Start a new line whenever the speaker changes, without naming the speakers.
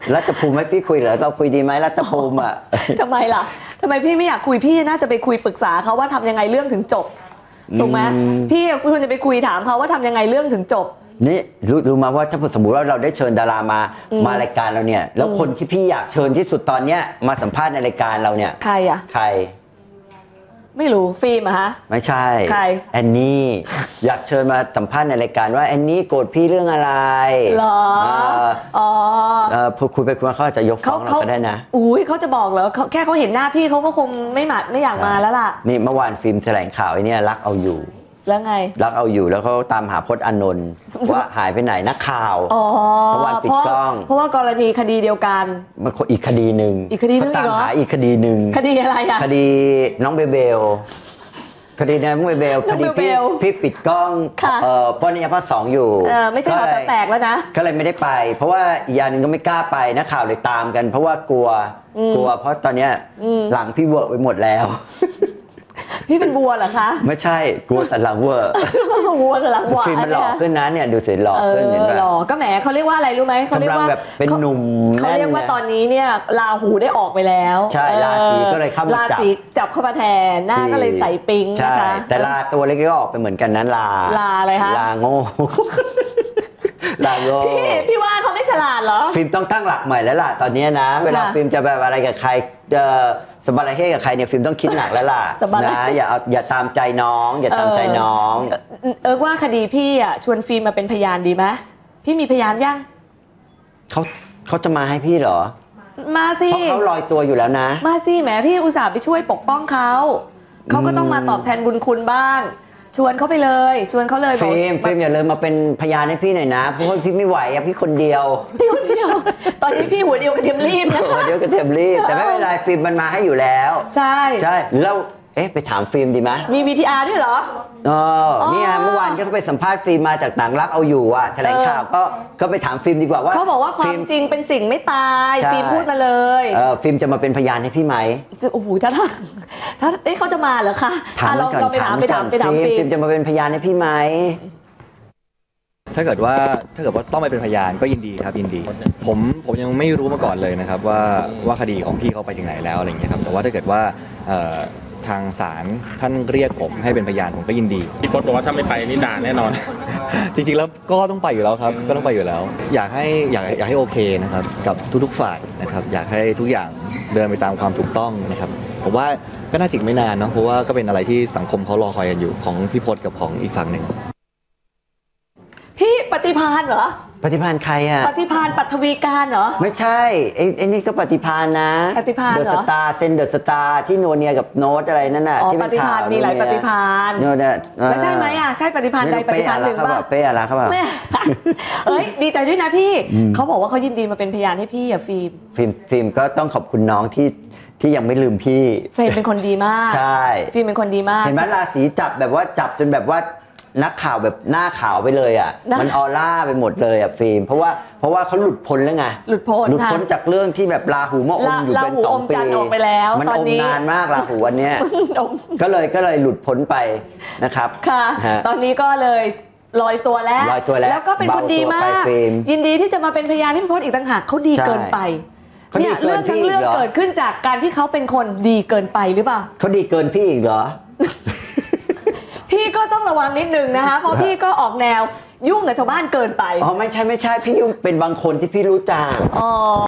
รัฐภูมิไม่พี่คุยเหรอเราคุยดีไหมรัฐภูมิอ่ะ
ทำไมล่ะทำไมพี่ไม่อยากคุยพี่น่าจะไปคุยปรึกษาเขาว่าทำยังไงเรื่องถึงจบถูกไหมพี่ควรจะไปคุยถามเขาว่าทำยังไงเรื่องถึงจบ
นี่รู้มาว่าถ้าสมมติว่าเราได้เชิญดารามารายการเราเนี่ยแล้วคนที่พี่อยากเชิญที่สุดตอนเนี้ยมาสัมภาษณ์ในรายการเราเนี่ย
ใครอะ
ใคร
ไม่รู้ฟิล์มอะฮะ
ไม่ใช่
ใคร
แอนนี่อยากเชิญมาสัมภาษณ์ในรายการว่าแอนนี่โกรธพี่เรื่องอะไร
หรออ๋อ
พอคุยไปคุยมาเขาอาจจะยกฟ้องเราก็ได้นะ
อุ้ยเขาจะบอกเหรอแค่เขาเห็นหน้าพี่เขาก็คงไม่อยากมาแล้วล่ะ
นี่เมื่อวานฟิล์มแถลงข่าวไอ้นี่รักเอาอยู่
แล้วไง
รักเอาอยู่แล้วเขาตามหาพจน์อานนท์ว่าหายไปไหนนักข่าวเพราะวันปิดกล้อง
เพราะว่ากรณีคดีเดียวกัน
มันอีกคดีหนึ่งเขาตามหาอีกคดีหนึ่ง
คดีอะไรอะ
คดีน้องเบเบลคดีน้องเบลคดีพี่ปิดกล้องปนิยภาค2อยู่
ไม่ใช่หอแตกแล้วนะ
ก็เลยไม่ได้ไปเพราะว่าอีกอย่างนึงก็ไม่กล้าไปนักข่าวเลยตามกันเพราะว่ากลัวเพราะตอนนี้หลังพี่เวอร์ไปหมดแล้ว
พี่เป็นวัวเหรอคะ
ไม่ใช่กลัวสันหลังเวอร์
วัวสันหลังวัว
ฟิล์มมันหล่อขึ้นนะเนี่ยดูสิหล่อขึ้นเห็นไหม
หล่อก็แหมเขาเรียกว่าอะไรรู้ไหมเขาเรียกว่า
แบบเป็นหนุ่ม
เขาเรียกว่าตอนนี้เนี่ยราหูได้ออกไปแล้ว
ใช่ราศีก็เลยเข้ามา
ราศีจับเข้ามาแทนหน้าก็เลยใส่ปิงนะคะ
แต่ลาตัวเล็กก็ออกไปเหมือนกันนั้นลา
อะไรคะ
ลาโง่ลาโง่
พี่ว่าเขาไม่ฉลาดเหรอ
ฟิล์มต้องตั้งหลักใหม่แล้วล่ะตอนนี้นะเวลาฟิล์มจะแบบอะไรกับใครสบายเฮกับใครเนี่ยฟิล์มต้องคิดหนักแล้วล่ะนะอย่าตามใจน้องอย่าตามใจน้อง
ว่าคดีพี่อ่ะชวนฟิล์มมาเป็นพยานดีไหมพี่มีพยานยัง
เขาจะมาให้พี่เหรอ
มาสิ
เพราะเขาลอยตัวอยู่แล้วนะ
มาสิแหมพี่อุตส่าห์ไปช่วยปกป้องเขาก็ต้องมาตอบแทนบุญคุณบ้างชวนเขาไปเลยชวนเขาเลย
ฟิล์มอย่าเลยมาเป็นพยานให้พี่หน่อยนะเพราะว่าพี่ไม่ไหวอะพี่คนเดียว
ตอนนี้พี่หัวเดียวกระเทียมรีบนะคะ
หัวเดียวกระเทียมรีบแต่ไม่เป็นไรฟิล์มมันมาให้อยู่แล้ว
ใช่
แล้วไปถามฟิล์มดีไหม
มี VTR ด้วยเหรอ
เนี่ยเมื่อวานก็ไปสัมภาษณ์ฟิล์มมาจากหนังรักเอาอยู่อะแถลงข่าวก็ไปถามฟิล์มดีกว่าว่า
เขาบอกว่าความจริงเป็นสิ่งไม่ตายฟิล์มพูดมาเลย
ฟิล์มจะมาเป็นพยานให้พี่ไหม
โอ้โหถ้าเขาจะมาเหรอคะเราไปถาม
ฟิล์มจะมาเป็นพยานให้พี่ไหม
ถ้าเกิดว่าต้องไปเป็นพยานก็ยินดีครับยินดีผมยังไม่รู้มาก่อนเลยนะครับว่าคดีของพี่เขาไปถึงไหนแล้วอะไรเงี้ยครับแต่ว่าถ้าเกิดว่าทางศาลท่านเรียกผมให้เป็นพยานผมก็ยินดี
พี่พจน์บอกว่าถ้าไม่ไปนี่ด่าแน่นอน
จริงๆแล้วก็ต้องไปอยู่แล้วครับก็ต้องไปอยู่แล้วอยากให้โอเคนะครับกับทุกๆฝ่ายนะครับอยากให้ทุกอย่างเดินไปตามความถูกต้องนะครับผมว่าก็น่าจิกไม่นานเนาะเพราะว่าก็เป็นอะไรที่สังคมเขารอคอยกันอยู่ของพี่พจน์กับของอีกฝั่งหนึ่ง
พี่ปฏิภาณเหรอ
ปฏิภาณใครอะ
ปฏิภาณปัทวีการเหรอ
ไม่ใช่ไอ้นี่ก็ปฏิภาณนะ
ปฏิภาณเหรอ
เดอะสตาร์เซนเดอะสตาร์ที่โนเนียกับโน้ตอะไรนั่นน่ะ
ที่เป็นข่าวมีหลายปฏิภาณ
โน้ต
แล้วใช่ไหมอะใช่ปฏิภาณใดปฏิภาณหนึ่งป่ะ
เป้อะไรครับ
ดีใจด้วยนะพี่เขาบอกว่าเขายินดีมาเป็นพยานให้พี่อะ
ฟิล์มก็ต้องขอบคุณน้องที่ยังไม่ลืมพี่
ฟิล์มเป็นคนดีมาก
ใช่
ฟิล์มเป็นคนดีมาก
เห็นไหมราศีจับแบบว่าจับจนแบบว่านักข่าวแบบหน้าขาวไปเลยอ่ะมันออร่าไปหมดเลยอ่ะฟิล์มเพราะว่าเขาหลุดพ้นแล้วไง
หลุดพ้
นจากเรื่องที่แบบราหูมาอมอยู่เป็น2 ปีมันอมนานมากราหูวันเนี้ยก็เลยหลุดพ้นไปนะครับ
ค่ะตอนนี้ก็เลยลอยตัวแล้วก็เป็นคนดีมากยินดีที่จะมาเป็นพยานให้พี่พจน์อีกต่างหากเขาดีเกินไปเนี่ยเรื่องทั้งเรื่องเกิดขึ้นจากการที่เขาเป็นคนดีเกินไปหรือเปล่า
เขาดีเกินพี่อีกเหรอ
พี่ก็ต้องระวังนิดนึงนะคะเพราะพี่ก็ออกแนวยุ่งกับชาวบ้านเกินไป
ไม่ใช่พี่ยุ่งเป็นบางคนที่พี่รู้จัก